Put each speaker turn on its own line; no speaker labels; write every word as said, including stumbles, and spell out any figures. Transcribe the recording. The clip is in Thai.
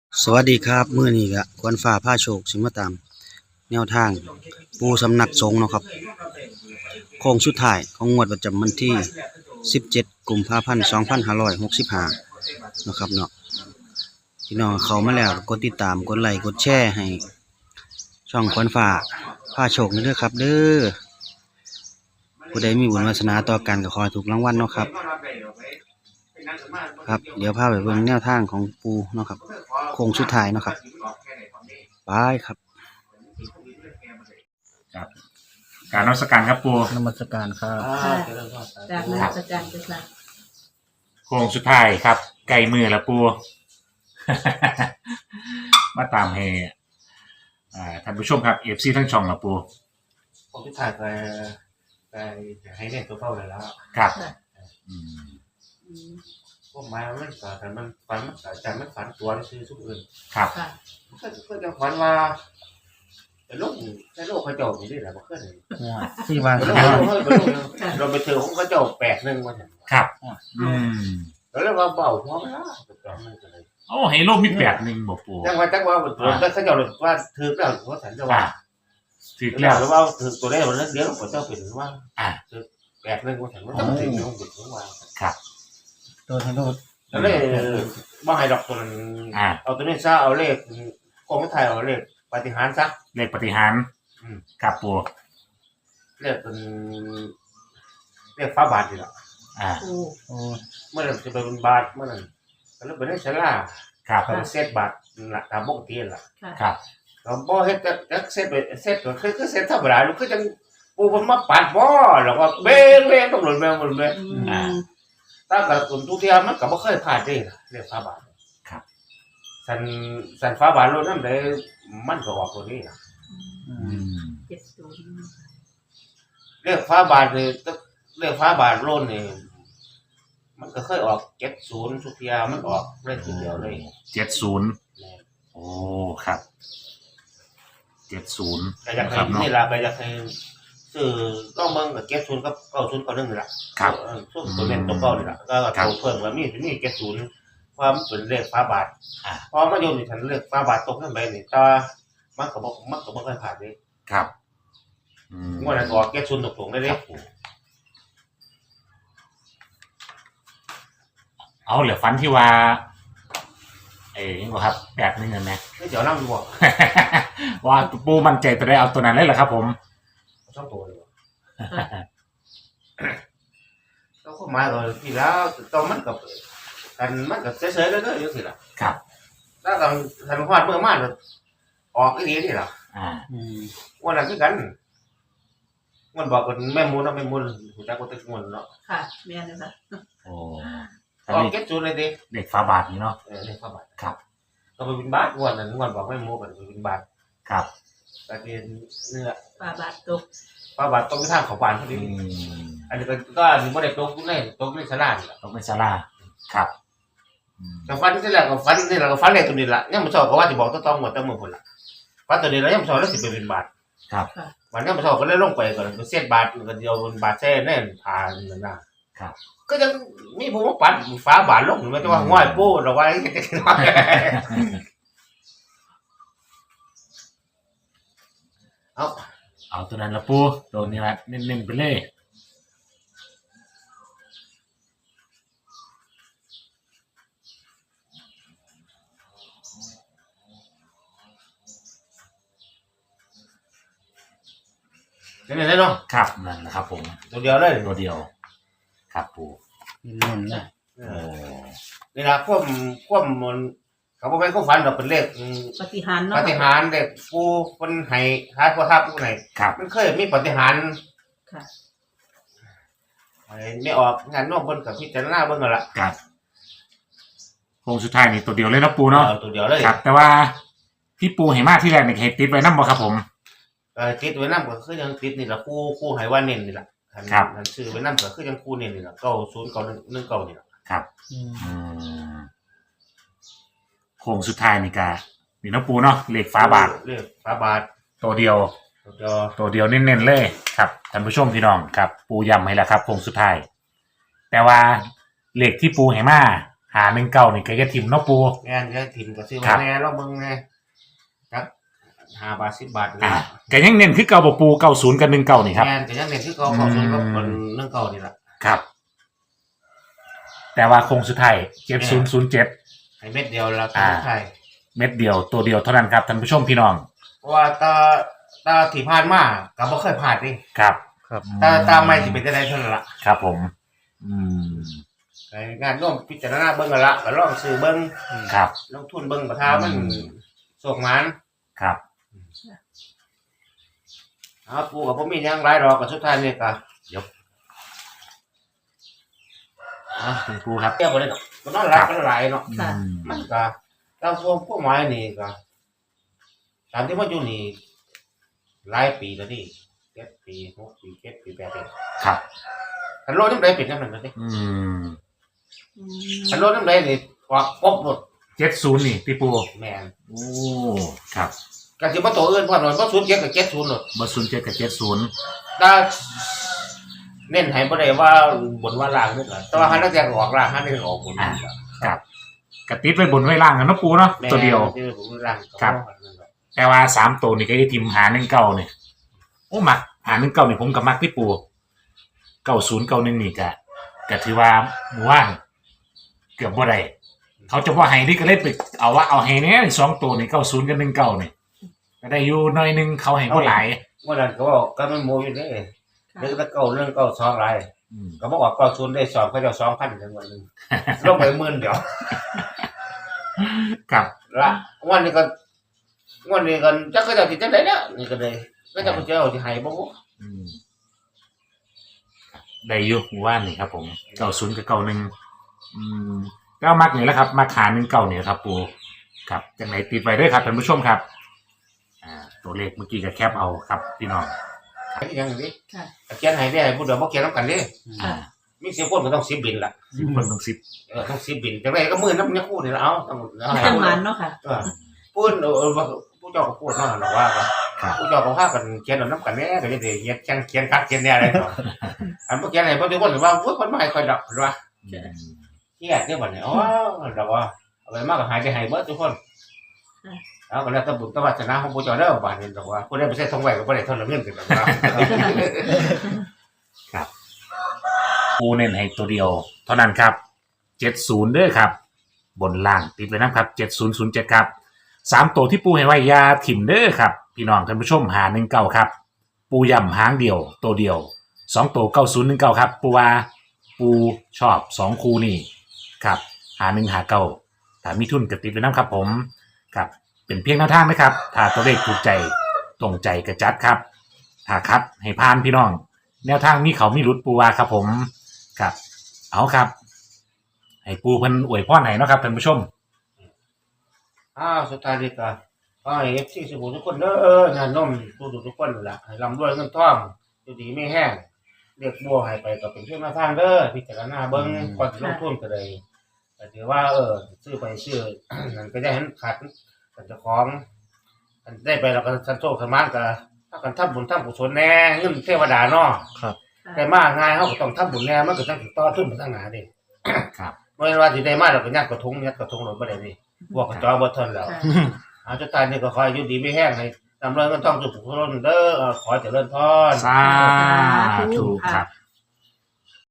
สวัสดีครับมื้อนี้ก็ควรฟ้าพาโชคสิมาตามแนวทางปูสำนักสงฆ์เนาะครับโค้งสุดท้ายของงวดประจำวันที่สิบเจ็ดกุมภาพันธ์สองพันห้าร้อยหกสิบห้าเนาะครับเนาะพี่น้องเข้ามาแล้วกดติดตามกดไลค์กดแชร์ให้ช่องควรฟ้าพาโชคนี่เด้อครับเด้อผู้ใดมีบุญวาสนาต่อกันก็ขอให้ถูกรางวัลเนาะครับครับเดี๋ยวพาไปเบิ่งแนวทางของปูเนาะครับโค้งสุดท้ายเนาะครับไปครับ
ครับการนมัสการครับปู
นมัสการครับ
ค่ะจากนมัสการเจ้าค่ะ
โค้งสุดท้ายครับไก่มือแล้วปู มาตามให้อ่าท่านผู้ชมครับเอฟซีทั้งช่องแล้วปู
ผมที่ถ่ายไปไปจะให้เล่นตัวเป้าเลยแล้ว
ครับอืม
อืม
พวกมามันก็แต่มันฝันมันก็แต่มันฝันตัวคือทุกอื่น
ครับ
ค่ะ
ก็ก็จะฝันว่าแต่โลกแต่โลกเขาเจ้าอยู่นี่แหละมันขึ้น
ที่วาง
แต่
ค
โล
รั
ก
บ
เขาเราไปเจอของเขาเจ้าแปดหนึ่งวันนั้น
ครับอืม
แล้วเราเบาหัวไม่ได้ตัวมันก็เลย
โอ้ให้โลกมีแปดหนึ่งบอกปู
จังว่าจังว่าตัวแล้วเขาเจ้าว่าถือแล้วเขาสันจะว่า
ถึก
แล้
แล้ว ว
ว่าถือตัวได้วันนั้นเดี๋ยวเขาเจ้าเป็นว่า
อ่า
แปดหนึ่งวันสันมันต้องถือของบุตรของว่า
ครับ
ตัวทั้งโลด
แล้วเลยว่าให้ดอกตัวนั้น
อ่า
เอาตัวนี้ซะเอาเลขกองไทยเอาเลขปฏิหารซะ
เลขปฏิหารครับปู
เรียกเป็นเรียกฟ้าบาทดีละ
อ่า
โอ้
โอ้
เมื่อนั้นจะเป็นบาทเมื่อนั้นแล้วเป็นได้ชลา
ครับ
เป็นเซตบาทละตามปกติละ
ค่ะ
ครับ
เราบ่เฮ็ดจักเซตไปเซตก็คือคือเซตธรรมดาลูกคือจังปูเพิ่นมาปัดบ่แล้วก็เบ้งเบ้งต้องหล่นแมวหล่นแมว
อืม
ตามกับคนทุกเที่ยมันก็บ่เคยพลาดเด้ล่ะเรียกฟ้าบาท
ครับ
สันสันฟ้าบาทโลดนำได้มันก็ออกตัวนี้ล่ะ
อืม
เจ็ดศูนย์
เรียกฟ้าบาทนี่เรียกฟ้าบาทโลดนี่มันก็เคยออกเจ็ดศูนย์ทุกเที่ยมันออกเลขทีเดียวเลย
เจ็ดศูนย์โอ้ครับเจ็ดศูนย์
ก็อยาก
ค
ให้
รับเนาะ
นี่ล่ะก็อยากให้ซื้อต้องเบิ่งกับเจ็ดศูนย์กับเก้าศูนย์ก็นึงนี่ล่ะ
ครับ
เออช่วงตัวเน้นตัวเก้านี่ล่ะก็
ครับ
ตัวเพิ่มก็มีมีเจ็ดศูนย์ความเป็นเลขฟ้าบาท
อ่า
พอมาโยนนี่ฉันเลขฟ้าบาทตกนั่นไปนี่แต่ว่ามันก็บ่มันก็บ่เคยผ่านเด้
ครับอืม
งวดนั้นออกเจ็ดศูนย์ตรงๆได้เด้
ครับผมเอาเหลือฟันที่ว่า เอ้ยบ่ครับแบบนึงกันไหม
นี่เดี๋ยวนำอยู่บ่
ว่าปูมันใจตัวได้เอาตัวนั้นเลยเหรอครับผม
ช่องตัวเลยบ่ก็เข้ามาก็ที่แล้วตอนมันก็กันมันก็เฉยๆเด้อๆจังซี่ล่ะ
ครับ
แล้วก็ทันฮอดเมื่อมาก็ออกอีหลีนี่ล่ะ
อ่า
อืม
วันนั้นคือกันมันบอกกันแม่มูลเนาะแม่มูลหูจักว่าตึกมูลเนาะ
ค่ะแม่นเลยค่ะ
โอ้
ออกเก็ตจูนเลยดิ
เด็กฟ้าบาทนี่เนาะ
เออเลขฟ้าบาท
ครับ
ก็ไปบินบาทงวดนั้นงวดบอกแม่มูกันไปบินบาท
ครับ
แต่เป็นเนื้อ
ปลาบาทตก
ฟ้าบาทต้องไปทางเขาบานพอ
อื
ดี
ม
อันนี้ก็ก็อันนี้บ่ได้ตกในตกในสลานี่ล่ะ
ต้องเป็นซาลาครับอืม
แต่ฟันที่แรกก็ฟันนี่แหละก็ฟันเลขตัวนี้ล่ะยังบ่ชอบก็ว่าสิบอกต้องๆหมดแต่มื้อพุ่นล่ะฟันตัวนี้แล้วยังบ่ชอบแล้วสิไปบินบาท
ครับ
วันนี้บ่ชอบก็เลยลงไปก่อนก็เสียดบาทก็เดียวบนบาทแท้แน่นผ่านนั่นน่ะ
ครับ
ก็ยังมีผู้มาปัดฟ้าบาทลงไม่ต้องว่าง่อยโป้เราไว้จะน้อยเอา
เอาตัวนั้นละปูตัวนี้ละเน้นๆไปเลย
เดี๋ยวนี้เนาะ
ครับนั่นแหละครับผม
ตัวเดียวเลย
ตัวเดียว ครับปู
นี่นุ่นนะ
โอ้
นี่ละควบควบมันเขาบอกให้เขาฝันเราเป็นเลข
ปฏิหารย์
ป
เนาะ
ฏิหารเลขผู้คนให้หาผู้ทับผู้ไหน
ครับ
มันเคยมีปฏิหาร
ค่ะ
ไม่ออกงานนอกบนกับพิจารณาเบิ่งกันละ
ครับโค้งสุดท้ายนี่ตัวเดียวเลยนะปูเนาะ
เอาตัวเดียวเลย
ครับ แต่ว่าที่ปูให้มาที่แรกเนี่ยให้ติดไว้น้ำบ่ครับผม
เออติดไว้น้ำก็คือยังติดนี่ละคู่คู่ให้ว่าเน้นนี่ละ
ครับ
หันซื้อไว้น้ำก็คือยังคู่เน้นนี่ละเก้าศูนย์เก้าหนึ่งหนึ่งเก้านี่ละ
ครับ
อืม
อืมโค้งสุดท้ายนี่กานี่น้องปูเนาะเลขฟ้าบาท
เลขฟ้าบาท
ตัวเดียว
ตัวเดียว
ตัวเดียวเน้นๆเลยครับท่านผู้ชมพี่น้องครับ ปูย้ำให้แล้วครับโค้งสุดท้าย แต่ว่าเลขที่ปูให้มาหาหนึ่งเก้านี่ก็จะทิมเนาะปู
แม่นจะถิ่มก็ซื้อ
ครั
มา
บ
แน่เราเบิ่งแน่จักห้าบาทสิบบาท
อ่า
นะ
ก็ยังเน้นคือเก่าบ่ปูเก้าศูนย์กับหนึ่งเก้านี่ครับ
แม่นก็ยังเน้นคือเก่าเก่าศูนย์กับคนเรื่องเก่านี่ล่ะ
ครับ แต่ว่าโคงสุดท้ายเจ็ดศูนย์ศูนย์เจ็ด
ให้เม็ดเดียวแล้วก็
อ่า
ใช่
เม็ดเดียวตัวเดียวเท่านั้นครับท่านผู้ชมพี่น้อง
เพราะว่าตาตาที่ผ่านมาก็บ่เคยผ่านนี่
ครับ
ครับ
ตาตาไม่สิเป็นจังได๋เท่านั้นล่ะ
ครับผม อืม
ไอ้งานร่วมพิจารณาเบิ่งกันละก็ลองซื้อเบิ่ง
ครับ
ลงทุนเบิ่งประทามันโศกมัน
ครับ
อ้าวปู่ก็บ่มีหยังหลายดอกก็สุดท้ายนี่ก็
เดี๋ยว
อ่ะ
คุณปูครับ
เที่ยวบ่ได้ดอกก็นอนหลับกันหลายเนาะ
ค่ะ
อืม
มันก็ตามพวกพวกหมายนี่ก็ตามที่มาอยู่นี่หลายปีแล้วนี่เจ็ดปีหกปีเจ็ดปีแปดปี
ครับ
คันโลดน้ำใดเป็นจังนั้นน่ะเด้
อืม
อื
คัน
ม
โลดน้ำใดนี่ออกปบหมด
เจ็ดศูนย์นี่พี่ปู
แม่น
โอ้ครับ
ก็สิบ่ตัวอื่นพร้อมเนาะบ่ศูนย์เจ็ดกับเจ็ดศูนย์เนาะ
บศูนย์เจ็ดกับเจ็ดศูนย์
ถ้าเน้นให้บ่ได้ว่าบนว่าล่างนึกล่ะแต่ว่าหันนักแจกออกล่างหันนักแจกออกบนนั่นล่ะ
ครับกระติดไว้บนไว้ล่างกันเนาะปูเนาะ
แม่
ตัวเดียว
ที่ผมล่าง
ครับ แต่ว่าสามตัวนี่ก็จะทิมหาหนึ่งเก้าเนี่ยโอ้มักหาหนึ่งเก้าเนี่ยผมกับมักพี่ปูเก้าศูนย์เก้าหนึ่งนี่กะกะถือว่าหมู่ว่านเกือบบ่ได้เขาจะว่าไฮนี่ก็เล่นไปเอาว่าเอาไฮเนี้ยสองตัวนี่เก้าศูนย์กับหนึ่งเก้านี่ก็ได้อยู่หน่อยหนึงเขาให้บ่หลาย
วันนั้นก็บอกก็มันโมอยู่เด้เรื่องตะเก่าเรื่องเก่าสองหลาย
อืม
ก็บอกว่าเก่าศูนย์ได้สอบเขาจะสองพันจังหวะนึงลงไปหมื่นเดียว
ครับ
ละวันนี้ก็วันนี้ก็จักก็จะสิจังได๋เนี่ยนี่ก็เลยก็จะเจ้าสิให้บ่
อืมได้อยู่หมู่ว่านนี่ครับผมเก้าศูนย์กับเก้าหนึ่งอืมก็มักนี่แหละครับมาขาหนึ่งเก้าเนี่ยครับปูครับจังไหนติดไว้ด้วยครับท่านผู้ชมครับ อ่า ตัวเลขเมื่อกี้ก็แคปเอาครับพี่น้อง
ยังนี้
ค่ะ
เขียนให้ได้ผู้เดียวบ่เขียนนำกันเด้
อ่า
มีสิบคนก็ต้องสิบบินล่ะ
สิบคนต้องสิบ
เออต้องสิบบินจังได๋ก็หมื่นนำเนี่ยคู่นี่ละเอาต้องเอาให้
จังหมันเนาะค่ะ
เออพูดเออผู้เจ้าก็พูดเนาะล่ะว่าก็
ครับ
ผู้เจ้าก็พากันเขียนเอานำกันแน่ก็จะได้เขียนเขียนเขียนคักเขียนแน่อะไรต่ออันบ่เขียนให้บ่ทุกคนว่าโอ้ยคนมาให้ค่อยดอกว่า
อืม
เครียดเด้อบัดนี้อ๋อดอกว่าเอาไปมากก็หายใจให้เบิดทุกคนเอาก็แล้วแต่บุญแต่วาสนาของผู้เจ้าเด้อบัดนี้ดอกว่าผู้ใดบ่ใช่ทองไว้ก็บ่ได้ทอนเงินกันดอกว่า
ปูเน้นให้ตัวเดียว เท่านั้นครับเจ็ดศูนย์เด้อครับ บนล่างติดไว้นะครับเจ็ดศูนย์ศูนย์เจ็ดครับสามตัวที่ปูให้ไว้อยาถิ่มเด้อครับ พี่น้องท่านผู้ชมหาหนึ่งเก้าครับ ปูย่ำหางเดียว ตัวเดียวสองตัวเก้าศูนย์หนึ่งเก้าครับ ปูว่าปูชอบสองคูนี่ครับหาหนึ่งหาเก้าถ้ามีทุนกระติดไว้นะครับผมครับเป็นเพียงแนวทางนะครับ ถ้าตัวเลขถูกใจตรงใจกระจัดครับ ถ้าคัดให้พานพี่น้อง แนวทางมีเขามีรุดปูว่าครับผมครับ เอาครับ ให้ปูเพิ่นอวยพรให้เนาะครับท่านผู้ชม
อ้าวสุดท้ายนี่ก็ขอให้ เอฟ ซี สุขุมทุกคนเด้อญาติโยมทุกๆทุกคนนั่นล่ะให้ร่ำรวยเงินทองอยู่ดีไม่แห้งเรียกบัวให้ไปก็เป็นเพื่อนมาทางเด้อพิจารณาเบิ่งก่อนสิลงทุนก็ได้ก็ถือว่าเออซื้อไปซื้อ นั่นก็ได้เห็นขาดกันเจ้าของอันได้ไปแล้วก็สันโชคสมานก็ถ้ากันทำบุญทำกุศลแน่เงินเทวดาเนาะ
ครับ
ได้มาง่ายเฮาก็ต้องทำบุญแน่มันก็ต้องต่อทุนไปทางหน้าดิ
ครับ
บ่แม่นว่าสิได้มาแล้วก็ยัดกระทงยัดกระทงรถบ่ได้นี่พวกกระจอบ่ทนแล้ว
ค่ะ
อาจุดตายนี่ก็ขอให้อยู่ดีไม่แห้งให้นำเรื่องเงินทองสุขสุขเด้อเอ่อขอเจริญพร
สาธุครับ